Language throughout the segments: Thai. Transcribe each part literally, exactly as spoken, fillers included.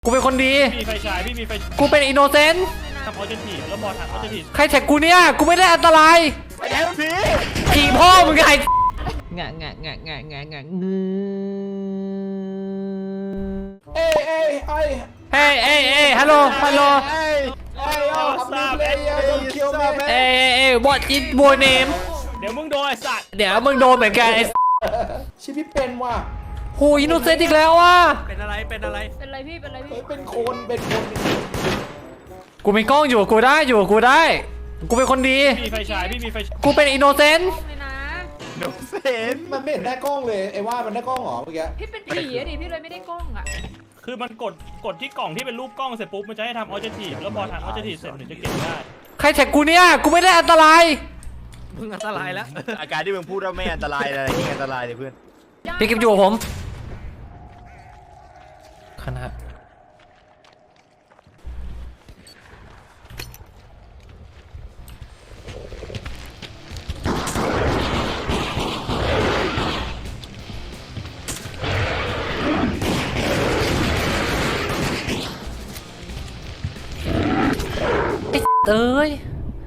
กูเป็นคนดีมีไฟฉายพี่มีไฟกูเป็นอินโนเซนต์ทำออเจนทีแล้วบอลทำออเจนทีใครแท็กกูเนี่ย กูไม่ได้อันตรายไอ้แทนผีผีพ่อมึงไงงะงะงะงะงะงะงืเอ้ยเอ้ยเอ้ยเฮ้ยเอ้ยเอ้ยฮัลโหล ฮัลโหลเอ้ยเอ้ยเอาทำดีเลยอ่ะโดนคิวแม่เอ้ยเอ้ยเอ้ย what is your name เดี๋ยวมึงโดนไอ้สัตว์เดี๋ยวมึงโดนเหมือนกันไอ้ชิพี่เป็นว่ะโหอินโนเซนต์อีกแล้วว่ะเป็นอะไรเป็นอะไรเป็นไรพี่ เป็นไรเฮ้พี่ยเป็นคนเป็นคนกูมีกล้องอยู่ กูได้อยู่ กูได้ กูเป็นคนดีมีไฟฉายพี่มีไฟฉายกูเป็นอินโนเซนต์กล้องเลยนะโดนเห็นมันไม่เห็นได้กล้องเลยไอ้ว่ามันได้กล้องเหรอเมื่อกี้พี่เป็นผีอะดิ พี่เลยไม่ได้กล้องอะคือมันกดกดที่กล่องที่เป็นรูปกล้องเสร็จปุ๊บมันจะให้ทำออเจนทีแล้วบอลทำออเจนทีเสร็จถึงจะเก็บได้ใครแท็กกูเนี่ย กูไม่ได้อันตรายมึงอันตรายแล้วอาการที่มึงพูดว่าไม่อันตรายอะไรที่อันตรายเลยเพื่อนพี่กิฟต์อยู่กับผมคณะไอ้เอ้ย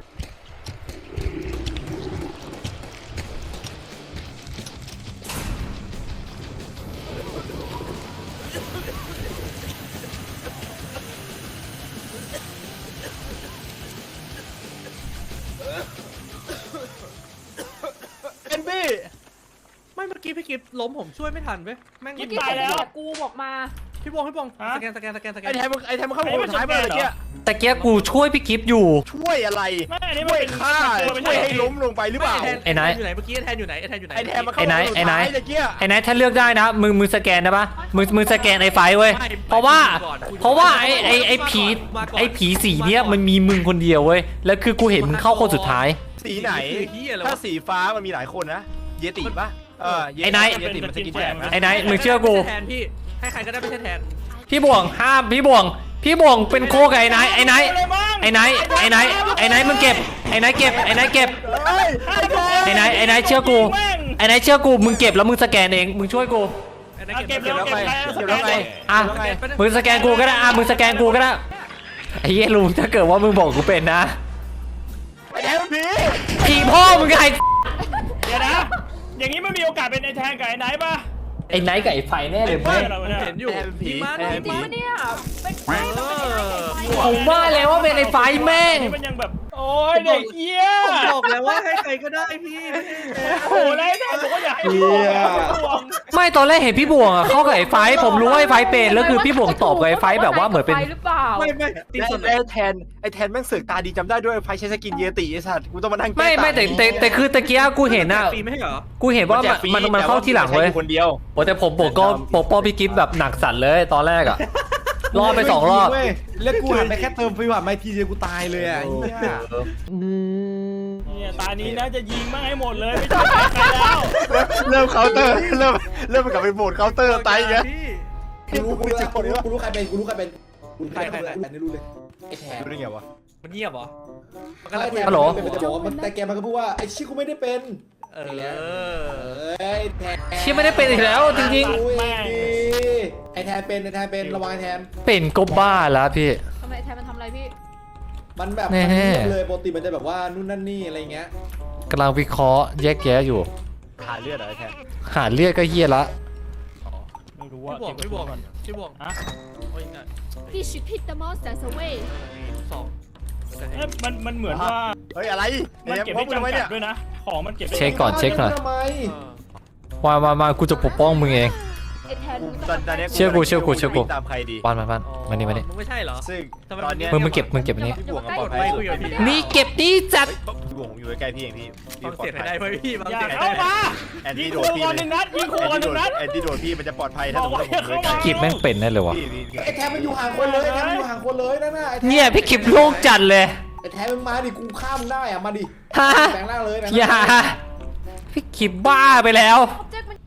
เอ็นบี้ไม่เมื่อกี้พี่กิฟล้มผมช่วยไม่ทันเว้ยแม่งเมื่อกี้แต่แบบกูบอกมาพี่บงพี่บงสแกนสแกนสแกนสแกไอ้นแทนมึงไอ้แทนมึงเข้าไปคนสุดท้ายมาเลยเนี่ยแต่เกี้ยกูช่วยพี่กิฟต์อยู่ช่วยอะไรไม่อันนี้มันช่วยเป็นฆ่ามันช่วยให้เป็นล้มลงไปหรือเปล่าไอ้ไหนอยู่ไหนเมื่อกี้แทนอยู่ไหนไอ้แทนอยู่ไหนไอ้แทนมาเข้าไอ้ไหนคนสุดไอ้ไหนท้ายตะเกียไอ้ไนท์ถ้าเลือกได้นะมึงมึงสแกนนะปะมึงมึงสแกนไอ้ไฟเว้ยเพราะว่าเพราะว่าไอ้ไอ้ไอ้ผีไอ้ผีสีเนี้ยมันมีมึงคนเดียวเว้ยแล้วคือกูเห็นมึงเข้าคนสุดท้ายสีไหน ถ้าสีฟ้ามันมีหลายคนนะ เยติปะเออเยไอ้ไหนเยติมันสกินแจกนะไอ้ไนท์มึงเชื่อกูแทนพี่ให้ใครก็ได้ไม่ใช่แทนพี่บ่วงห้ามพี่บ่วงพี่บ่วงเป็นโคกับไอ้ไนท์ไอ้ไนท์ไอ้ไนท์ไอ้ไนท์ไอ้ไนท์มึงเก็บไอ้ไนท์เก็บไอ้ไนท์เก็บเฮ้ยไอ้แทนไอ้ไนท์ไอ้ไนท์เชื่อกูไอ้ไนท์เชื่อกูมึงเก็บแล้วมึงสแกนเองมึงช่วยกูไอ้ไหนอ่ะเก็เก็บบ แล้วเก็บเก็บแล้วแล้วเก็บแล้วไงอ่ะมึงสแกนกูก็ได้อ่ะมึงสแกนกูก็ได้ไอ้เหี้ยลุงถ้าเกิดว่ามึงบอกกูเป็นนะไอ้แทนผีผีพ่อมึงไงเดี๋ยวนะ อย่างนี้มันมีโอกาสเป็นไอ้แทนกับไอ้ไหนปะไอ้ไนท์กับไอ้ไฟแน่เลยเฮ้เว้ยยเราผมเนี่ยเห็นอยู่แทนผีพี่มาแทนจริผีงปะเนี่ยเป็นไม่ต้องเป็นอะไรไฟผมว่าแล้วว่าเป็นไอ้ไฟแม่งนี่มันยังแบบโอ้ยเด็กเหี้ยผมบอกแล้วว่าให้ใครก็ได้พี่ไม่ใช่แทนโอ้โหแล้วไอ้แทนบอกว่าอยากให้ห่วงไม่ตอนแรกเห็นพี่บ่วงอะเข้ากับไอ้ไฟผมรู้ว่าไอ้ไฟเป็นแล้วคือพี่บ่วงตอบกับไอ้ไฟแบบว่าเหมือนเป็นไฟหรือเปล่าไม่ไม่ตีส่วนไหนไอ้แทนไอ้แทนแม่งเสือกตาดีจำได้ด้วยไฟใช้สกินเยติไอ้สัตว์กูต้องมานั่งแก้ไม่ไม่แต่แต่แต่คือตะเกียกูเห็นอะฟรีไม่ใช่เหรอกูเห็นว่ามันมันมันเข้าที่หลังเว้ยคนเดียวโอ้แต่ผมปกก็ปกป้องพี่กิฟต์แบบหนักสัตว์เลยตอนแรกอะรอดไปสองรอบเว้ยแล้วกูหันไปแค่เติมฟิวหันไปทีเดียวกูตายเลยอ่ะไอ้เหี้ยเนี่ยตานี้นะจะยิงมั่งให้หมดเลยไม่ต้องใครแล้วเริ่มเคาน์เตอร์เริ่มเริ่มกลับไปโหมดเคาน์เตอร์ไตอีกแล้วพี่กูรู้กูรู้กูรู้กูรู้ใครเป็นกูรู้ใครเป็นกูรู้ใครเป็นกูรู้รู้เลยไอ้แทนรู้ได้ไงวะมันเงียบเหรอมันไอ้กำลังแทนฮัลโหลมันจะบอกว่ามันแต่แกมันก็พูดว่าไอ้ชิกูไม่ได้เป็นเออเอ้ยแทนเชี่ยไม่ได้เป็นอีกแล้วจริงรู้เองดิไอ้แทนเป็นไอ้แทนเป็นระวังไอ้แทนๆเป็นก็บ้าแล้วพี่ทำไมแทนมันทำอะไรพี่มันแบบแน่มันเงียบเลยปกติมันจะแบบว่านู่นนั่นนี่อะไรเงี้ยกำลังวิเคราะห์แยกแยะอยู่หาเลือดเหรอไอ้แทนหาเลือดก็เฮียละไม่รู้ว่าพี่บวกพี่บวกพี่บวกฮะโอ้ยง่าย Fish hit the monsters away สองเอ้ยมันมันเหมือนว่าเฮ้ยอะไรมันเนี่ยเก็บพร้อไม่มกันไหมจำกัเนี่ดยด้วยนะ ของมันเก็บได้เช็คก่อนเช็คก่อนทำไมมามามากูจะปกป้องมึงเองไอ้แทนกูมึงตอนตอนนี้เชื่อกูเชื่อกูเชื่อกูวิ่งตามใครดีปานมาปานมานี่มานี่มึงไม่ใช่เหรอซึ่งทำไมตอนเนี้ยมึงมึงเก็บมึงเก็บอันนี้พี่บวกกับปลอดไม่ภัยคุยกับพี่นี่เก็บดีจัดพี่บวกผมอยู่ใกล้ๆพี่เองพี่พี่ฟังปลอเสียดงภัยได้ไหมพี่ฟังอย่าเสียงเข้าได้มาแอนยิตี้งโดครูดพี่ก่อนหนึ่งนัดยิงครูก่อนหนึ่งนัดแอนตี้โดดพี่มันจะปลอดภัยถ้าสมมติว่าผมเลยใกล้กิบแม่งเป็นแน่เลยวะพี่พี่ไอ้แทนมันอยู่ห่างคนเลยไอ้แทนมันอยู่ห่างคนเลยนั่นน่ะไอ้แทนเนี่ยพี่กิบโลกจัดเลยไอ้แทนมันมาดิกูข้ามได้อ่ะมาดิฮะแปลงร่างเลยแปลงอย่าร่างพี่กิบบ้าไปแล้ว Object มัน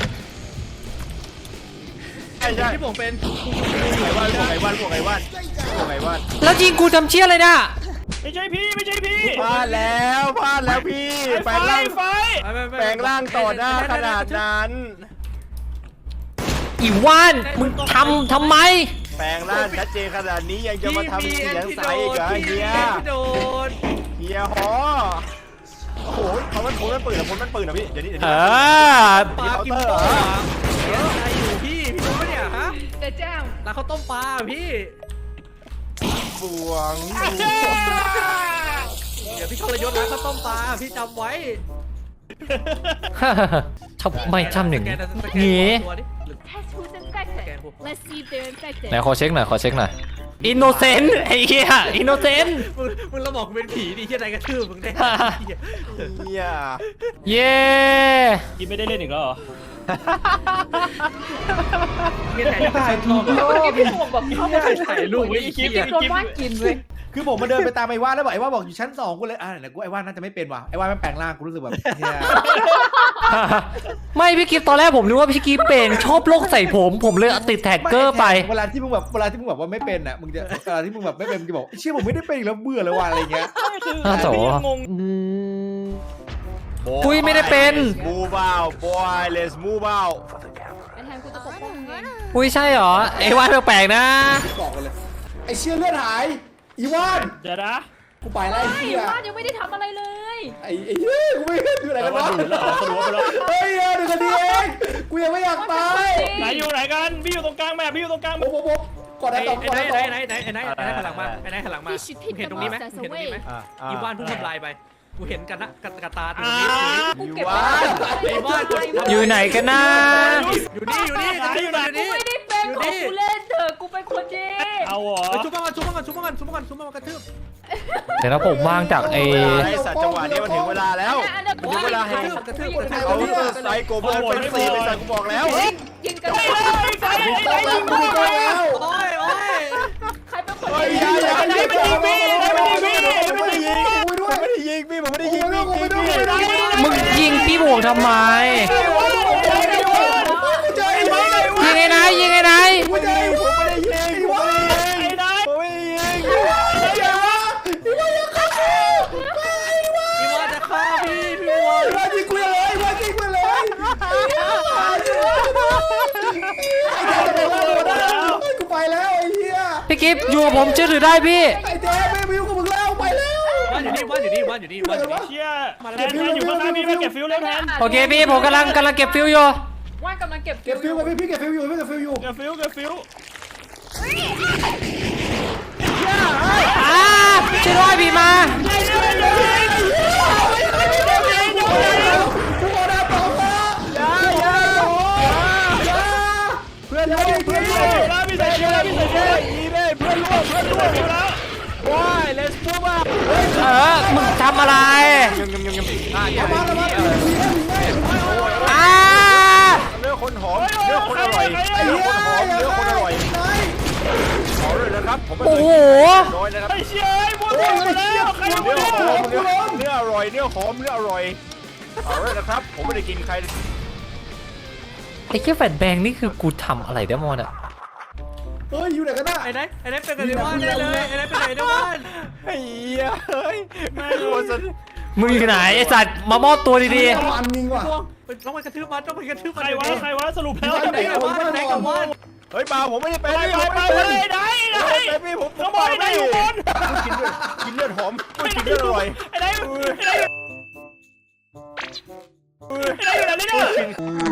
ใช่ใช่พี่บวกเป็นไอ้ว่านพวกไอ้ว่านพวกไอ้ว่านยังไงวะแล้วยิงกูทำเชี่ยอะไรน่ะไม่ใช่พี่ไม่ใช่พี่พลาดแล้วพลาดแล้วพี่ไอ้แปไฟลงร่างไฟแปลงร่างต่อหน้าขนาดนั้นอีว่านมึงทำทำไมแปลงร่างชัดเจนขนาดนี้ยังจะมาทำเสียงใสอีกเหรอเฮียพี่โดนเฮียฮอโอ้โหเขามันโผล่มันปืนเหรอโผล่มันปืนเหรอพี่เดี๋ยวนี้เดี๋ยวเอนี้อปลากินโต้เสียใจอยู่พี่พี่รู้ปะเนี่ยฮะเดี๋ยวแจ้งร้านข้าวต้มปลาพี่บวงเดี๋ยวพี่ทรยศร้านข้าวต้มปลาพี่จำไว้ทำไมทำอย่างนี้สแกงี้ตัวดิ Test who's infected Let's see if they're infected ไหนขอเช็คหน่อยขอเช็คหน่อยอินโนเซนต์ไอ้เหี้ยอินโนเซนต์มึงมึงเราบอกกูเป็นผีดิที่ไหนกระทืบมึงได้เฮียเย้กินไม่ได้เล่นอีกแล้วเหรอมีแต่ถ่ายรูปเมื่อกี้พี่ผมบอกเขาไม่เคยถ่ายรูปไว้อีกทีโดนว่านกินเว้ยคือผมมาเดินไปตามไอ้ว่านแล้วบอกไอ้ว่านบอกอยู่ชั้นสองกูเลยอ่าไหนกูไอ้ว่านน่าจะไม่เป็นว่ะไอ้ว่านมันแปลงร่างกูรู้สึกแบบเฮียไม่พี่กิฟตอนแรกผมนึกว่าพี่กิฟเป็นชอบโลกใส่ผมผมเลยติดแท็กเกอร์ไปเวลาที่มึงแบบเวลาที่มึงแบบว่าไม่เป็นอ่ะมึงจะเวลาที่มึงแบบไม่เป็นมึงจะบอกเชื่อผมไม่ได้เป็นอีกแล้วเบื่อเลยว่ะอะไรเงี้ยไม่คืออ้าวโถพี่ยังงงปุ้ยไม่ได้เป็นมูฟเอาบอยเลสมูฟเอาไอ้แทนกูจะปกป้องมึงเองอุ้ยใช่เหรอไอ้ว่านแปลกๆนะบอกกันเลยไอ้เชี่ยเลือดหายอีว่านเดี๋ยวนะกูไปแล้วไอ้ไม่เหี้ยว่านยังไม่ได้ทำอะไรเลยไอ้ไอ้เหี้ยกูไม่เห็นอยู่ไหนกันวะดูดแล้วเหรอสรุปว่าไปแล้วเฮ้ยเออเดี๋ยวกันดีเองกูยังไม่อยากตายไหนอยู่ไหนกันพี่อยู่ตรงกลางแม่พี่อยู่ตรงกลางโอ้โหโอ้โหก่อนไอ้นะต่อก่อนไหนนะต่อไหนไหนไหนไหนไหนไหนหันหลังมาไอ้ไหนหันหลังมาเห็นตรงนี้ไหมเห็นตรงนี้ไหมอ่ะอีวานเพิ่งทำลายไปกูเห็นกันนะกระตาตรงอ่านี้กูเก็บว้าไว้วไอ้วานอยู่ไหนกันนะอยู่นี่อยู่นี่อยู่นี่อยู่กูนี่ไม่ได้เป็นของกูเล่นเถอะกูเป็นคนดีเอาเหรอชุบมันชุบมันชุบมันชุบมันชุบมันกระทืบเดี๋ยวนะผมวางจากไอ้ไอ้สัตว์จังหวะนี้มันถึงเวลาแล้วอันนั้นถึงเวลาแห่งกระทืบกระทืบเขาไซโกเบอร์เป็นสีเป็นสัตว์กูบอกแล้วยิงกันไอ้ไอ้ไอ้ไอ้ไอ้ยิงกูมีกล้องแล้วโอ้ยโอ้ยใครเป็นคนเฮ้ยดีอย่าอย่าไอ้ไอ้มันยิงพี่ไอ้มันยิงพี่ไอ้มันยิงพี่ผมไม่ได้ยิงพี่ผมไม่ได้ยิงพี่พี่พี่มึงยิงพี่บวกทำไมยิงไอ้ไหนยิงไอ้ไหนผมไม่ได้ยิงผมไม่ได้ยิงผมไม่ได้ยิงไอ้นายผมไม่ได้ยิงอีวานจะฆ่าพี่พี่วานว่ายิงกูเลยว่ายิงกูเลยกูไปแล้วไอ้เหี้ยพี่กิฟอยู่กับผมเชื่อถือได้พี่ไอ้แจ๊ไม่วิวกับมึงแล้วไปแล้ววานอยู่นี่วานอยู่นี่วานอยู่นี่วานอยู่นี่เชี่ยแทนแทนอยู่ข้างหน้าพี่มาเก็บฟิวแล้วแทนโอเคพี่ผมกำลังกำลังเก็บฟิวอยู่ว่านกำลังเก็บเก็บฟิวกับพี่พี่เก็บฟิวอยู่พี่เก็บฟิวอยู่เก็บฟิวเก็บฟิวอ่าช่วยด้วยพี่มาเพื่อนร่วมเพื่อนร่วมแล้วพี่ใส่เชือกแล้วพี่ใส่เชือกอีเม่เพื่อนร่วมเพื่อนร่วมแล้วว้าย let's move up เออมึงทำอะไรยำยำยำยำอ่ะอ่าเนื้อคนหอมเนื้อคนอร่อยเนื้อคนหอมเนื้อคนอร่อยขอเลยนะครับผมไม่โอ้เคโหยน้อยนะครับไอ้เชี่ยไอ้มัวมัวมาแล้วใครเนื้มัวอหมัอวมเนื้อเนื้ออร่อยเนื้อหอมเนื้ออร่อยเอาเลยนะครับผมไม่ได้กินใครไอ้แค่แฟนแบงนี่คือกูทำอะไรได้มอนอะเฮ้ยอยู่ไหนกันน่ะไอ้ไหนไอ้ไหนเป็นกันในวานได้เลยไอ้ไหนเป็นไหนในวานไอ้เหี้ยเฮ้ยไม่รู้สิมึงอยู่ไหนไอ้สัตว์มามอบตัวดีมันยิงว่ะต้องไปกระทืบมันต้องไปกระทืบใคมันรวะใครวะสรุปแล้วไหนกับวานไหนกับวานเฮ้ยเปล่าผมไม่ได้เป็นไปพี่ไปผมไปไม่ไปได้เป็นไหนไหนไอ้พี่ผมผขมโมยไหนอยู่บนกินเลือดกินเลือดหอมกินเลือดอร่อยไอ้ไหนไอ้ไหนไอ้ไหนอยู่ไหนเนี่ย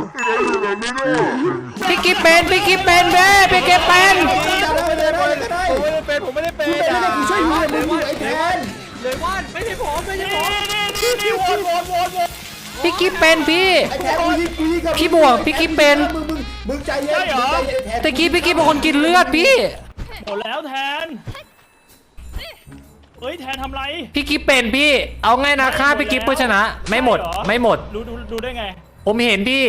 ๆพี่กิฟเป็นพี่กิฟเป็นเบ้พี่กิฟเป็นจับได้เลยได้เลยได้ผมไม่ได้เป็นผมไม่ได้เป็นกูเป็นไม่ได้กูช่วยมึงเลยมึงอยู่ไอ้แทนเลยวานไม่ใช่ผมไม่ใช่ผมนี่นี่นี่วนวนวนวนพี่กิฟเป็นพี่ไอ้แทนกูยิงกูยิงกับพี่บวกพี่กิ๊บเป็นมึงมึงมึงใจเย็นมึงใจเย็นแทนตะกี้พี่กิฟเป็นคนกินเลือดพี่หมดแล้วแทนเฮ้ยแทนทำไรพี่กิฟเป็นพี่ เอาง่ายนะฆ่าพี่กิฟเพื่อชนะ ไม่หมดไม่หมดรู้ดูดูได้ไงผมเห็นพี่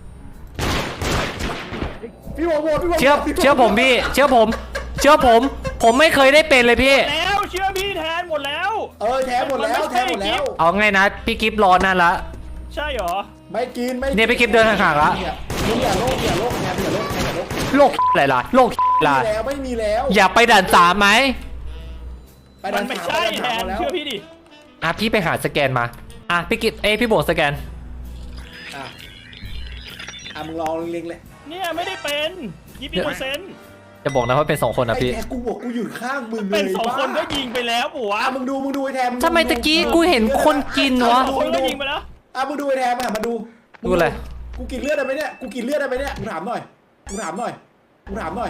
พี่โหวตโหวตพี่โหวตเชื่อเชื่อผมพี่ เชื่อผม เชื่อผม ผมไม่เคยได้เป็นเลยพี่แล้วเชื่อพี่แทนหมดแล้วเออแทนหมดแล้วแทนหมดแล้วเอาง่ายนะพี่กิฟรอนั่นละใช่เหรอไม่กินไม่เนี่ยพี่กิ๊บเดินห่างๆละมึงอย่าโลกอย่าโลกแทนอย่าโลกแทนอย่าโลกโลกอะไรล่ะโลกอะไรไม่มีแล้วไม่มีแล้วอย่าไปด่านสามไหมไปมัดันนไม่สามใช่ไปแทดันสามนแล้วเชื่อพี่ดิอ่ะพี่ไปหาสแกนมาอ่ะพี่กิตเอ้ยพี่โบสแกนอ่ะอ่ะมึงลองเล็งๆเลยเนี่ยไม่ได้เป็นยี่สิบเปอร์เซ็นต์จะบอกนะว่าเป็นสองคนนะไอ้พี่แทนกูบอกกูอยู่ข้างมึงเลยเป็นสองคนก็บ้ายิงไปแล้วปู่วะอ่ะมึงดูมึงดูไอ้แทนงดูทำไมตะกี้กูเห็นคนกินวะสองคนก็ยิงไปแล้วอ่ะมึงดูไอ้แทนมามาดูดูอะไรกูกินเลือดได้ไหมเนี่ยกูกินเลือดได้ไหมเนี่ยกูถามหน่อยกูถามหน่อยกูถามหน่อย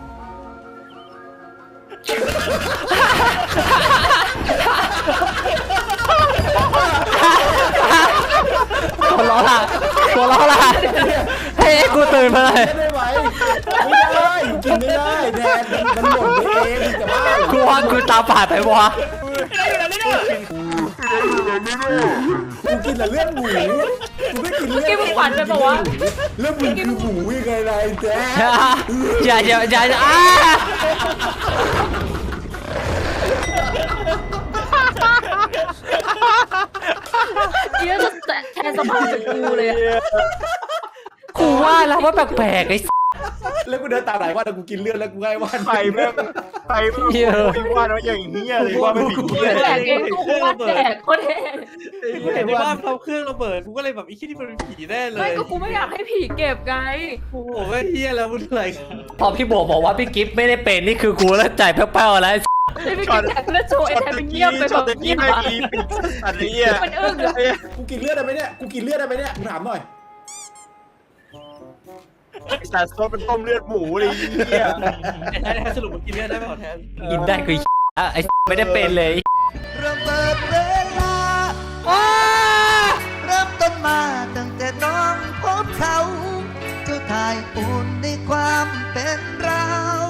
ตัวล้อละตัวล้อละเฮ้ยกูตื่นมาเลยไม่ได้ไหวไม่ได้กินไม่ได้แทนมันหมดไปเองแต่ว่ากูว่ากูตาฝาดไปวะไม่ได้อยู่แล้วนี่เนี่ยกูกินแต่เลือดหมูกูไม่กินเลือดกินมึงฝันไปปะวะเลือดมึงคือหมูยังไงล่ะไอ้แจ๊คอย่าอย่าอย่าอย่าอ้าเยอะจะแทนสภาพเป็นกูเลยอะกูว่าแล้วว่าแปลกๆไอ้แล้วกูเดินตามไหนว่าแต่กูกินเลือดแล้วกูไงว่าใครแม่งใครแม่งโอ้ยว่าแล้วอย่างเงี้ยเลยว่าไม่ผิดเงี้ยแดกเองกูว่าแดกโคตรเท่กูเห็นในบ้านเขาเครื่องระเบิดกูก็เลยแบบไอ้ขี้นี่มันเป็นผีแน่เลไม่ยก็กูไม่อยากให้ผีเก็บไงโอ้โหก็เฮียแล้วมันอะไรพอพี่โบบอกว่าพี่กิฟต์ไม่ได้เป็นนี่คือกูเริ่มใจแป้วๆแล้วไอ้พี่กินแดกแล้วโชว์ไอ้แทนเป็นเงียบไปช็แบอตบตะกี้เงียบไม่อะมีปิดอะไรเงี้ยมันอึ้งอะกูกินเลือดได้ไหมเนี่ยกูกินเลือดได้ไหมเนี่ยกูถามหน่อยแต่ซดเป็นต้มเลือดหมูเลยเงี้ยแทนแทนสรุปมันกินเลือดได้ไหมขอแทนกินได้คือไอ้ไม่ได้เป็นเลยระเบิดเวลาเริ่มต้นมาตั้งแต่น้องพบเขา เจ้าทายอุ่นในความเป็นเรา